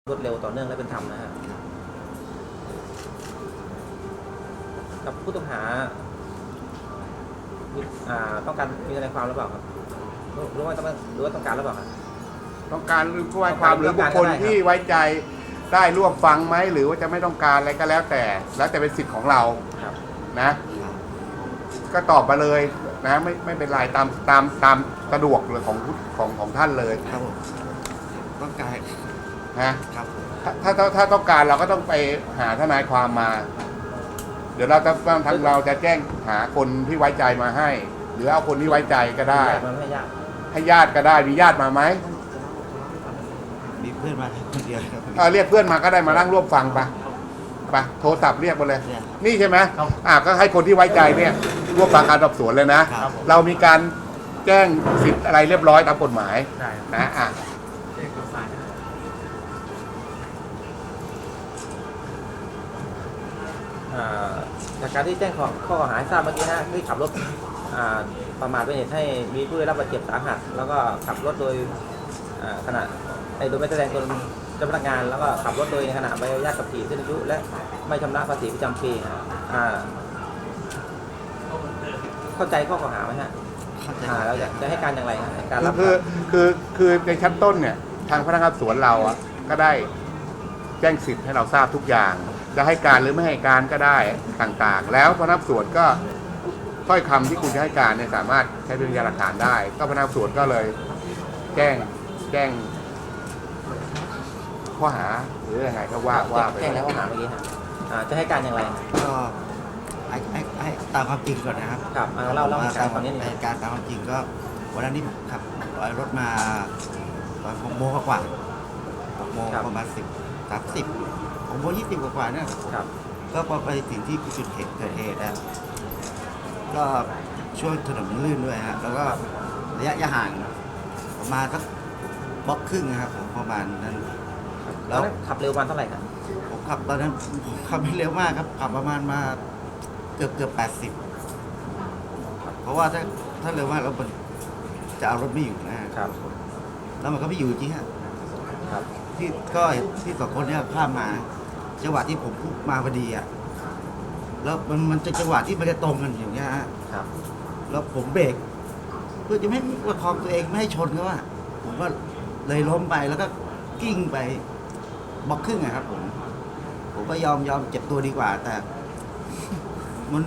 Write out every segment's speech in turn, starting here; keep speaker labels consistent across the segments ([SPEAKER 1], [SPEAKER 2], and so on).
[SPEAKER 1] รวดเร็วต่อเนื่องและเป็นธรรมนะฮะกับผู้ต้องหาต้องการมีทนายความหรือเปล่าครับหรือว่าต้องการหรือเปล่าครับ
[SPEAKER 2] ต้องการหรือผู้ให้ความหรือบุคคลที่ไว้ใจได้ร่วมฟังไหมหรือว่าจะไม่ต้องการอะไรก็แล้วแต่เป็นสิทธิ์ของเรานะก็ตอบมาเลยนะไม่เป็นไรตามสะดวกเลยของท่านเลย
[SPEAKER 3] ครับผมต้องการ
[SPEAKER 2] นะครับถ้าต้องการเราก็ต้องไปหาทนายความมาเดี๋ยวทางเราจะแจ้งหาคนที่ไว้ใจมาให้หรือเอาคนที่ไว้ใจก็ได้ให้ญาติก็ได้มีญาติมาไหม
[SPEAKER 3] มีเพื่อนมาคนเดียวครับ
[SPEAKER 2] เรียกเพื่อนมาก็ได้มานั่งร่วมฟังไปโทรศัพท์เรียกมาเลยนี่ใช่ไหมก็ให้คนที่ไว้ใจเนี่ยร่วมฟังการสอบสวนเลยนะเรามีการแจ้งสิทธิ์อะไรเรียบร้อยตามกฎหมายนะ
[SPEAKER 1] จากการที่แจ้งข้อกล่าวหาทราบเมื่อกี้นะที่ขับรถประมาทเป็นเหตุให้มีผู้ได้รับบาดเจ็บสาหัสแล้วก็ขับรถโดยขณะโดยไม่แสดงตนเจ้าพนักงานแล้วก็ขับรถโดยในขณะใบอนุญาตขับขี่สิ้นอายุและไม่ชำระภาษีประจำปีเข้าใจข้อกล่าวหาไหมฮะเราจะให้การอย่างไรการรับ
[SPEAKER 2] คือในชั้นต้นเนี่ยทางพนักงานสวนเราก็ได้แจ้งสิทธิ์ให้เราทราบทุกอย่างจะให้การหรือไม่ให้การก็ได้ต่างๆแล้วพนักงานสวนก็ถ้อยคำที่คุณจะให้การเนี่ยสามารถใช้เป็นพยานหลักฐานได้ก็พนักงานสวนก็เลยแจ้งข้อหาหรือยังไงก็ว่าไป
[SPEAKER 1] แจ้งแล้วข้อหาเมื่อกี้จะให้การอย่างไร
[SPEAKER 3] ก็ให้ตามความจริงก่อนนะครับ
[SPEAKER 1] ครับเล่าเหตุการณ์ตอนนี้
[SPEAKER 3] เหตุการณ์ตามความจริงก็วันนั้นที่ผมขับรถมาตอน6 โมงกว่า6 โมงประมาณ30 6 โมง 20กว่าเนี่ยก็พอไปถึงที่จุดเกิดเหตุนะก็ช่วงถนนมันลื่นด้วยฮะแล้วก็ระยะห่างประมาณสักบล็อกครึ่งนะครับผมประมาณนั้น
[SPEAKER 1] แล้วขับเร็ววันเท่าไหร่ครับ
[SPEAKER 3] ผมขับตอนนั้นผมขับไม่เร็วมากครับขับประมาณมาเกือบ80เพราะว่าถ้าเร็วมากเราจะเอารถไม่อยู่นะครับแล้วมันก็ไม่อยู่จริงฮะที่2 คนเนี่ยข้ามมาจังหวะที่ผมมาพอดีแล้วมันจะจังหวะที่มันจะตรงกันอย่างเงี้ยฮะแล้วผมเบรกเพื่อจะไม่ประคองตัวเองไม่ให้ชนเขาผมก็เลยล้มไปแล้วก็กิ้งไปบล็อกครึ่งครับผมก็ยอมเจ็บตัวดีกว่าแต่มัน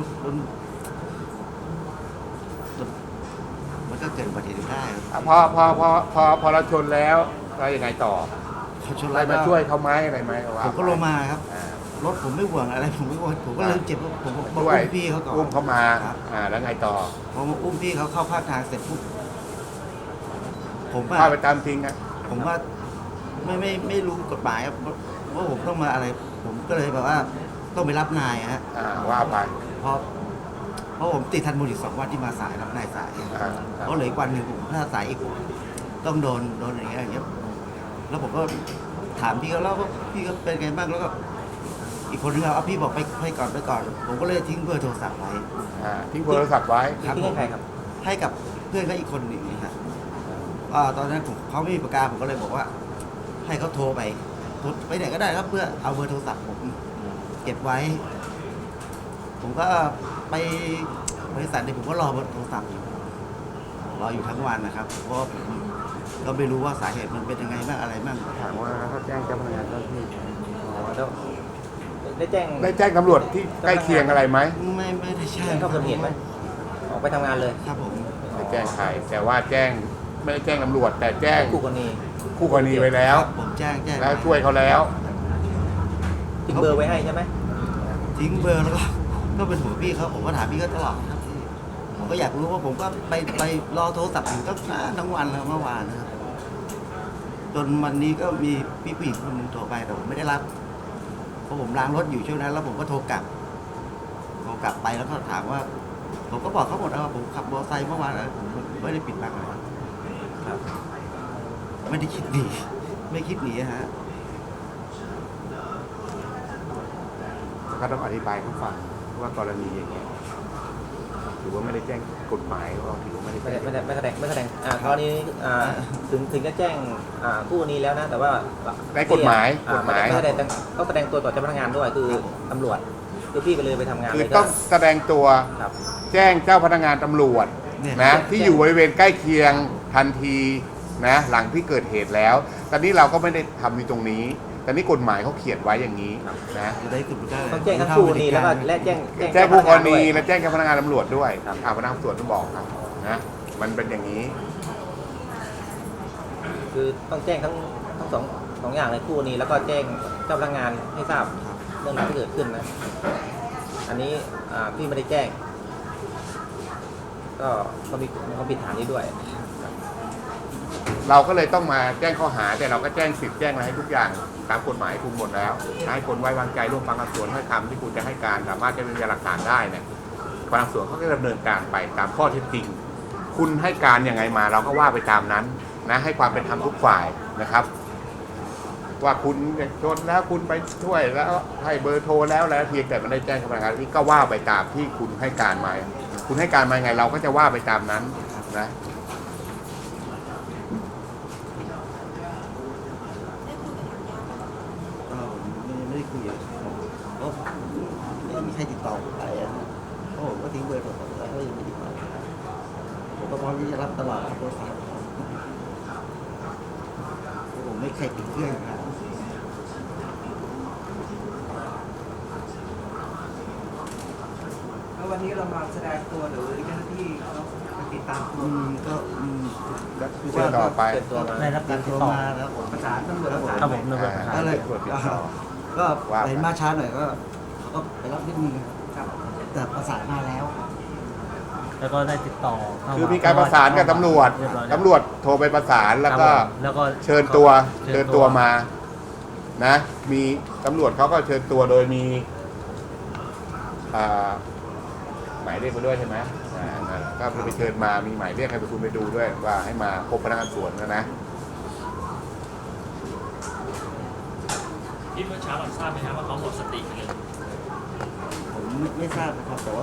[SPEAKER 3] ก็เกิดอุบัติเหตุได้
[SPEAKER 2] พอเราชนแล้วเรายังไงต่ออะไรมาช่วยเขาไหมอะไรไหม
[SPEAKER 3] ผมก็ลงมาครับรถผมไม่ห่วงอะไรผมไม่ห่วงผมก็เลยเจ็บผมก็อุ้มพี่เขาก่อน
[SPEAKER 2] อุ้มเขามาแล้วไงต่อ
[SPEAKER 3] พอมาอุ้มพี่เขาเข้าภาคทางเสร็จปุ๊บผม
[SPEAKER 2] พาไปตามทิ้ง
[SPEAKER 3] ผมว่าไม่รู้กฎหมายว่าผมต้องมาอะไรผมก็เลยแบบว่าต้องไปรับนาย
[SPEAKER 2] ว่าไป
[SPEAKER 3] เพราะผมติดทันบุญอีก2 วันที่มาสายรับนายสายเพราะเหลืออีกวันหนึ่งผมถ้าสายอีกต้องโดนอย่างเงี้ยแล้วผมก็ถามพี่เขาแล้วว่าพี่ก็เป็นไงบ้างแล้วก็อีกคนนึงเอาพี่บอกไปก่อนผมก็เลยทิ้งเบอร์โทรศัพท์ไว้
[SPEAKER 2] ทิ้งเบอร์โทรศัพท์ไว้
[SPEAKER 1] ทิ้งให้ใครครับ
[SPEAKER 3] ให้กับเพื่อนเขาอีกคนหนึ่งนะฮะตอนนั้นเขาไม่มีปากกาผมก็เลยบอกว่าให้เขาโทรไปไหนก็ได้ครับเพื่อเอาเบอร์โทรศัพท์ผมเก็บไว้ผมก็ไปบริษัทเนี่ยผมก็รอเบอร์โทรศัพท์รออยู่ทั้งวันนะครับเพราะเราไม่รู้ว่าสาเหตุมันเป็นยังไงบ้างอะไรบ้าง
[SPEAKER 2] ถามว่าเขาแจ้งเจ้าพนักงานเจ้าที่
[SPEAKER 1] ได้แ
[SPEAKER 2] จ้งตำรวจที่ใกล้เคียงอะไรไหม
[SPEAKER 3] ไม่ได้แจ้ง
[SPEAKER 1] เข้าเกิดเหตุไหมออกไปทำงานเลย
[SPEAKER 3] ครับผม
[SPEAKER 2] ไม่แจ้งใครแต่ว่าไม่ได้แจ้งตำรวจแต่แจ้ง
[SPEAKER 1] คู่ก
[SPEAKER 2] รณีไว้แล้ว
[SPEAKER 3] ผมแจ้ง
[SPEAKER 2] แล้วช่วยเขาแล้ว
[SPEAKER 1] ทิ้งเบอร์ไว้ให้ใช่ไหม
[SPEAKER 3] ทิ้งเบอร์แล้วก็เป็นหัวพี่เขาผมก็ถามพี่ก็ตลอดผมก็อยากรู้ว่าผมก็ไปรอโทรศัพท์อยู่ทั้งวันแล้วเมื่อวานนะครับจนวันนี้ก็มีพี่ผู้หญิงคนนึงโทรไปแต่ผมไม่ได้รับเพราะผมล้างรถอยู่ช่วงนั้นแล้วผมก็โทรกลับไปแล้วก็ถามว่าผมก็บอกเขาหมดว่าผมขับมอเตอร์ไซค์เมื่อวานผมไม่ได้ปิดบังอะไรไม่ได้คิดหนีไม่คิดหนีฮะ
[SPEAKER 2] ก็ต้องอธิบายให้ฟังว่ากรณีอย่างนี้ถือว่าไม่ได้แจ้งกฎหมายก็ถือว่าไม่ได้
[SPEAKER 1] ไม่
[SPEAKER 2] แจ้
[SPEAKER 1] ได้
[SPEAKER 2] ง
[SPEAKER 1] ไม่แสดงกรณีถึงจะแจ้งผู้นี้แล้วนะแต่ว่า
[SPEAKER 2] ในกฎหมาย
[SPEAKER 1] ไม่แสดงต้องแสดงตัวต่อเจ้าพนักงานด้วยคือตำรวจคือพี่ก็เลยไปทำงาน
[SPEAKER 2] คือ
[SPEAKER 1] เลย
[SPEAKER 2] ต้องแสดงตัว
[SPEAKER 1] ครับ
[SPEAKER 2] แจ้งเจ้าพนักงานตำรวจนะที่อยู่บริเวณใกล้เคียงทันทีนะหลังที่เกิดเหตุแล้ว ตอนนี้เราก็ไม่ได้ทำอยู่ตรงนี้ตอนนี้กฎหมายเขาเขียนไว้อย่างนี้นะ
[SPEAKER 3] จะได้กลุ่มได้
[SPEAKER 1] ต้องแจ้งทั้งคู่นี้แล้วก็และแจ้ง
[SPEAKER 2] แจ้งผู้กรณี
[SPEAKER 1] และ
[SPEAKER 2] และแจ้งเจ้าพนักงานตำรวจด้วย
[SPEAKER 1] ครับ
[SPEAKER 2] พนักงานตำรวจต้องบอกครับนะมันเป็นอย่างนี้
[SPEAKER 1] คือต้องแจ้งทั้งสองอย่างเลยคู่นี้แล้วก็แจ้งเจ้าพนักงานให้ทราบเรื่องราวที่เกิดขึ้นนะอันนี้พี่ไม่ได้แจ้ง ก็มีความผิดฐานนี้ด้วย
[SPEAKER 2] เราก็เลยต้องมาแจ้งข้อหาแต่เราก็แจ้งสิทธิ์แจ้งอะไรให้ทุกอย่างตามกฎหมายคุมหมดแล้วให้คนไว้วางใจร่วมฟังคำสวนให้คำที่คุณจะให้การสามารถจะเป็นพยานหลักฐานได้เนี่ยพนักงานสวนเขาก็ดำเนินการไปตามข้อเท็จจริง คุณให้การยังไงมาเราก็ว่าไปตามนั้นนะให้ความเป็นธรรมทุกฝ่ายนะครับ ว่าคุณชนแล้วคุณไปช่วยแล้วให้เบอร์โทรแล้วเพียงแต่ไม่ได้แจ้งกับพนักงานนี่ก็ว่าไปตามที่คุณให้การมาคุณให้การมาไงเราก็จะว่าไปตามนั้นนะ
[SPEAKER 3] ก็ไม่ได้คุยกับผมเพราะไม่มีใครติดต่อผมไปอะเพราะผมก็ทิ้งเบอร์โทรศัพท์แล้วก็ยังไม่ติดต่อผมก็พร้อมที่จะรับตลอดโทรศัพท์ผมไม่เคยปิดเครื่องครับ
[SPEAKER 4] แล้ววันนี้เรามาแสดงตัวหรือเจ้าหน้าที่เขามาติดตามตัว
[SPEAKER 3] ก็คือ
[SPEAKER 2] เชิญต่อไป
[SPEAKER 1] เชิญตัวมา
[SPEAKER 5] ได้รับการติด
[SPEAKER 3] ตัว
[SPEAKER 5] ต่อ
[SPEAKER 3] มาแล้วผม
[SPEAKER 4] ประสานตำรวจประสาน
[SPEAKER 5] ครับผมตำรวจประสาน
[SPEAKER 3] ก็เลย
[SPEAKER 2] ตรวจติดต่อ
[SPEAKER 3] ก็
[SPEAKER 2] ว่าไป
[SPEAKER 3] เห็นมาช้าหน่อยก็ไปรับนิดนึง
[SPEAKER 4] ครับ
[SPEAKER 3] แต่ประสานมาแล้ว
[SPEAKER 5] แล้วก็ได้ติดต่อเข้า
[SPEAKER 2] คือมีการประสานกับตำรวจ
[SPEAKER 5] เรียบร้อยแล้
[SPEAKER 2] ตำรวจโทรไปประสานแล้วก็
[SPEAKER 5] ครับผมแล้วก็
[SPEAKER 2] เชิญตัวมานะมีตำรวจเขาก็เชิญตัวโดยมีหมายเรียกมาด้วยใช่ไหมนั่นแหละก็ไปเชิญมามีหมายเรียกให้ไปคุณไปดูด้วยว่าให้มาพบพนักงานสวนนะ
[SPEAKER 6] ที่เมื่อเช้าเราทราบไหมครับว่าเขาหมดสติไปเลย
[SPEAKER 3] ผมไม่ทราบนะครับแต่ว่า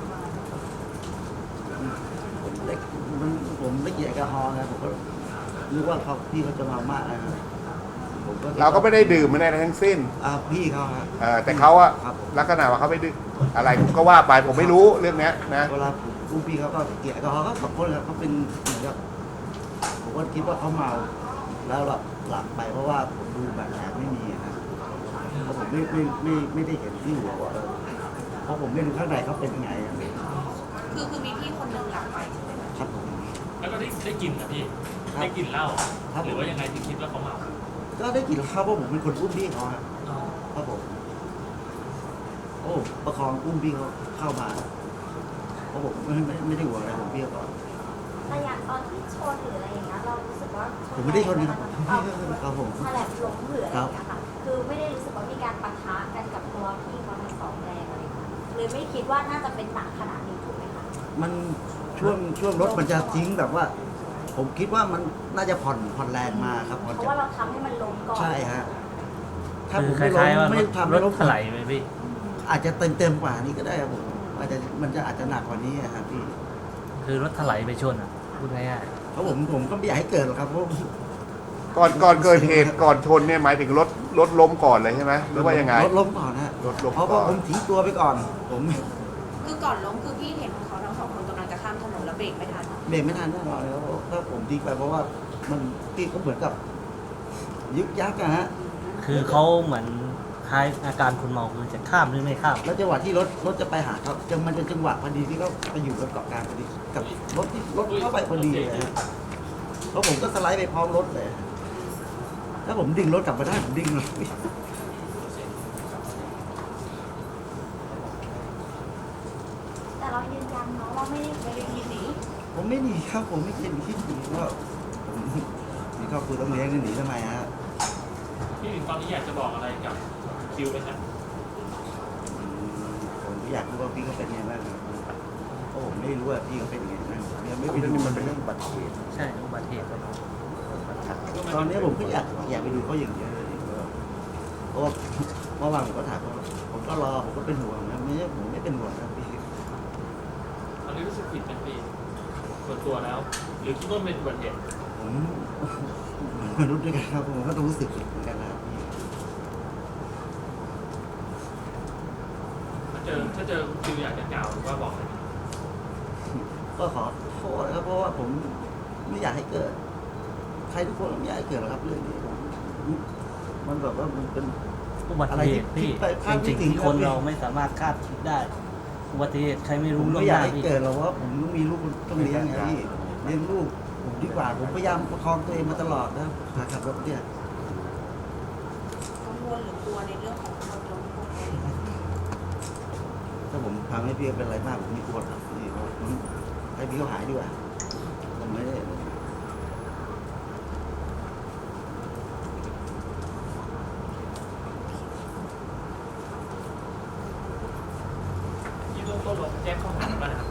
[SPEAKER 3] ผมเล็กผมไม่กินแอลกอฮอล์นะผมก็นึกว่าพี่เขาจะมามากนะครับผมก็
[SPEAKER 2] เราก็ไม่ได้ดื่มไม่ได้อะไรทั้งสิ้น
[SPEAKER 3] พี่เขาครับ
[SPEAKER 2] แต่เขาอะ
[SPEAKER 3] ครับผม
[SPEAKER 2] ลักษณะว่าเขาไม่ดื่มอะไรก็ว่าไปผมไม่รู้เรื่องเนี้ยนะ
[SPEAKER 3] เวลาผมอุ้มพี่เขาก็เกลียดแอลกอฮอล์ก็ขอบคุณครับเขาเป็นเหมือนกับผมก็คิดว่าเขาเมาแล้วหลับไปเพราะว่าผมดูบาดแผลไม่มีนะเพราะผมไม่ได้เห็นที่หัวว่าเพราะผมไม่รู้ข้างในเขาเป็นยังไงอะ
[SPEAKER 7] คือมีพี่คนหนึ่งหลับไปใช่ไหมคะ
[SPEAKER 3] ครับผม
[SPEAKER 6] แล้วก็ได้กลินนะพี่
[SPEAKER 3] ครับ
[SPEAKER 6] ได้กลินเหล้า
[SPEAKER 3] ครับ
[SPEAKER 6] หรือว่ายังไงถึงคิดว่าเขาเมา
[SPEAKER 3] ก็ได้กลิ่นข้าวเพราะผมเป็นคนอุ้มพี่เขาครับ
[SPEAKER 6] อ๋อ
[SPEAKER 3] ครับผมโอ้ประคองอุ้มพี่เขาเข้ามาเพราะผมไม่ได้หัวอะไรผมพี่เขาก่อน
[SPEAKER 8] แต่อย่างตอนที่ชนหรืออะไรอย่างเงี้ยเรารู้สึกว่า
[SPEAKER 3] ผมไม่ได้ชนนะครับ
[SPEAKER 8] เอา
[SPEAKER 3] ครับผม
[SPEAKER 8] ฉลับล้มหรืออะไรอย่างเงี้ยค่ะคือไม่ได้รู้สึกว่ามีการปะทะกันกับตัวพี่เขาทั้งสองแรงอะไรอย่างเงี้ยเลยไม่คิดว่าน่าจะเป็นหนักขนาดนี้ถูกไหมคะ
[SPEAKER 3] มันช่วงรถมันจะทิ้งแบบว่า ผมคิดว่ามันน่าจะผ่อนแรงมาครับผ่อน
[SPEAKER 8] เพราะ
[SPEAKER 3] จะ
[SPEAKER 8] ว่าเราทำให้มันล้มก่อน
[SPEAKER 3] ใช่ฮะถ้า
[SPEAKER 5] คื
[SPEAKER 3] ผ
[SPEAKER 5] อ
[SPEAKER 3] ม
[SPEAKER 5] ค
[SPEAKER 3] ไม่ล้
[SPEAKER 5] ล้ายๆว่าม
[SPEAKER 3] ไม่ทำ
[SPEAKER 5] ร
[SPEAKER 3] ไม่
[SPEAKER 5] ถ
[SPEAKER 3] ล้ม
[SPEAKER 5] ถลายไหมพี่
[SPEAKER 3] อาจจะเต็มกว่านี้ก็ได้ครับผมมันจะอาจจะหนักกว่านี้อะครับพี่
[SPEAKER 5] คือรถถลายไปชนอ่ะพูดง่าย
[SPEAKER 3] เพราะผมก็ไม่อยากให้เกิดหรอกครับเพราะ
[SPEAKER 2] ก่อนเกิดเหตุก่อนชนเนี่ยหมายถึงรถล้มก่อนเลยใช่ไหมหรือว่ายังไง
[SPEAKER 3] รถล้มก่อนฮะ
[SPEAKER 2] รถล้ม
[SPEAKER 3] เพราะ
[SPEAKER 2] ก่
[SPEAKER 3] ว่า
[SPEAKER 2] อน
[SPEAKER 3] ผมทิ้งตัวไปก่อน ผม
[SPEAKER 7] คือก่อนล้มคือพี่เห็นเขาทั้งสองคนกำลังจะข้ามถนนแล้วเบรกไม่ทัน
[SPEAKER 3] เบรกไม่ทันแน่นอนแล้วถ้าผมทิ้งไปเพราะว่ามันพี่ก็เหมือนกับยึกยักอะฮะ
[SPEAKER 5] ๆคือเขาเหมือนคล้ายอาการคนเมาคือจะข้ามหรือไม่ข้าม
[SPEAKER 3] แล้วจังหวะที่รถจะไปหาเขามันจะจังหวะพอดีที่เขาไปอยู่กับเกาะกลางพอดีกับรถเข้าไปพอดีเลยฮะแล้วผมก็สไลด์ไปพร้อมรถเลยถ้าผมดึงรถกลับมาได้ผมดึงเลย
[SPEAKER 8] แต่เรายืนยันเนาะว่าไม่ได้คิดหนี
[SPEAKER 3] ผมไม่หนีครับผมไม่เคยหนีที่หนีว่าผมมีครอบครัวต้องเลี้ยงจะหนีทำไมฮะ
[SPEAKER 6] พี่ตอนนี้อยากจะบอกอะไรกับคิวไหมครับ
[SPEAKER 3] ผมก็อยากรู้ว่าพี่เขาเป็นไงบ้างครับเพราะผมไม่รู้ว่าพี่เขาเป็นยังไงบ้างยังไม่ไปดู
[SPEAKER 2] มันเป็นเรื่องอุบัติเหตุ
[SPEAKER 5] ใช่อุบัติเหตุครับ
[SPEAKER 3] ตอนนี้ผมก็อยากไปดูเขาอย่างเดียวเลยเพราะว่าเมื่อวานผมก็ถามเขาผมก็รอผมก็เป็นห่วงนะไม่ใช่ผมไม่เป็นห่วงครับพี่
[SPEAKER 6] ตอนนี้รู้สึกผิดเป็นปีส่วนตัวแล้ว หรือคิดว่าเป็นอุบัติเหตุ
[SPEAKER 3] ผมมนุษย์ด้วยกันครับผมก็ต้องรู้สึกผิดเหมือนกันนะครับพี่
[SPEAKER 6] ถ้าเจอคิวอยากจะกล่าวหรือว่าบอกอะไร
[SPEAKER 3] ก็ขอโทษนะครับเพราะว่าผมไม่อยากให้เกิด ใครทุกคนไม่อยากให้เกิดหรอกครับเรื่องนี้มันแบบว่ามันเป็น
[SPEAKER 5] อุบัติเหตุพี่
[SPEAKER 3] อะไรที่คิดไปคาดไม่
[SPEAKER 5] จริง
[SPEAKER 3] ถึง
[SPEAKER 5] ๆที่คนเราไม่สามารถคาดคิดได้ อุบัติเหตุใครไม่
[SPEAKER 3] ผ
[SPEAKER 5] รู้
[SPEAKER 3] ม
[SPEAKER 5] ล่ว
[SPEAKER 3] ไม่
[SPEAKER 5] ง
[SPEAKER 3] อ
[SPEAKER 5] ห
[SPEAKER 3] ยาก
[SPEAKER 5] น้า
[SPEAKER 3] ให้
[SPEAKER 5] พี่
[SPEAKER 3] เกิดหรอกว่าผมต้องมีลูกต้องเลี้ยงไงพี่เลี้ยงลูกผมดีกว่าผมพยายามประคองตัวเองมาตลอดนะพาขับรถเนี่ย
[SPEAKER 7] กังวลหรือกลัวในเรื่องของคนล้มพวกนี้
[SPEAKER 3] ถ้าผมทำให้พี่เป็นอะไรมากผมไม่กลัวครับพี่ผมให้พี่เขาหายดีกว่าผมไม่ได้
[SPEAKER 6] ที่เบื้องต้นเราแจ้งข้อหาบ้างนะครับ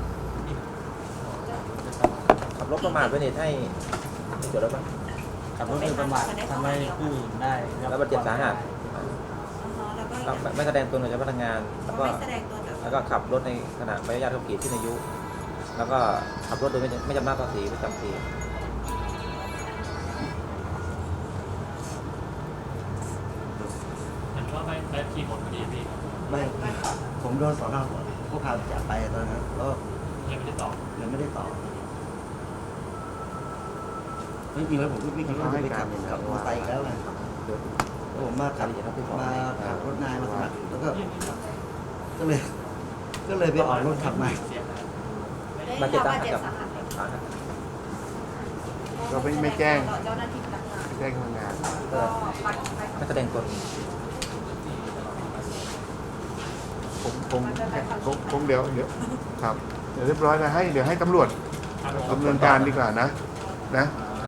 [SPEAKER 1] ขับรถประมาทเป็นเหตุให้เกิดอะไรบ้าง
[SPEAKER 5] ขับรถโดยประมาททำให้ผู้อื่นได้
[SPEAKER 1] แล้วบาดเจ็บสาหัส
[SPEAKER 7] แล้วก็
[SPEAKER 1] ไม่แสดงตนต่อเจ้าพนักงาน แล้วก็
[SPEAKER 7] ไม่แสดงตัวต่อ
[SPEAKER 1] แล้วก็ขับรถในขณะใบอนุญาตขับขี่ที่อายุ แล้วก็ขับรถโดยไม่จำหน้าภาษีประจำปี
[SPEAKER 6] เห็นว่าไปขี่หมดพอดีพี่
[SPEAKER 3] ไม่ผมโดนสอนอพวกพาจับไปตอนนั้นแล้ว
[SPEAKER 6] ยังไม่ได้ตอบ
[SPEAKER 3] ยังไม่ได้ต่อไม่จริงแล้วผมก็ไม่คิดว่าจะไปขับกับมอเตอร์ไซค์อีกแล้วไงแล้วผมมาขับรถนายมาสมัครแล้วก็ก็เลยไปออกรถขับใหม่
[SPEAKER 6] เสียหาย
[SPEAKER 1] บาดเจ็บสา
[SPEAKER 7] บา
[SPEAKER 1] หั
[SPEAKER 7] ด
[SPEAKER 1] ส
[SPEAKER 7] เจ็บ
[SPEAKER 1] กับ
[SPEAKER 7] สาหัส
[SPEAKER 1] สาหัส
[SPEAKER 2] ก็ไม่แจ้ง
[SPEAKER 7] ต่อเจ้าหน้าที่พนักงาน
[SPEAKER 2] แจ้งทำงาน
[SPEAKER 7] ก็ไป
[SPEAKER 1] ไม่แสดงตน
[SPEAKER 2] ผมเดี๋ยวครับเดี๋ยวเรียบร้อยนะเดี๋ยวให้ตำรวจดำเนินการดีกว่านะ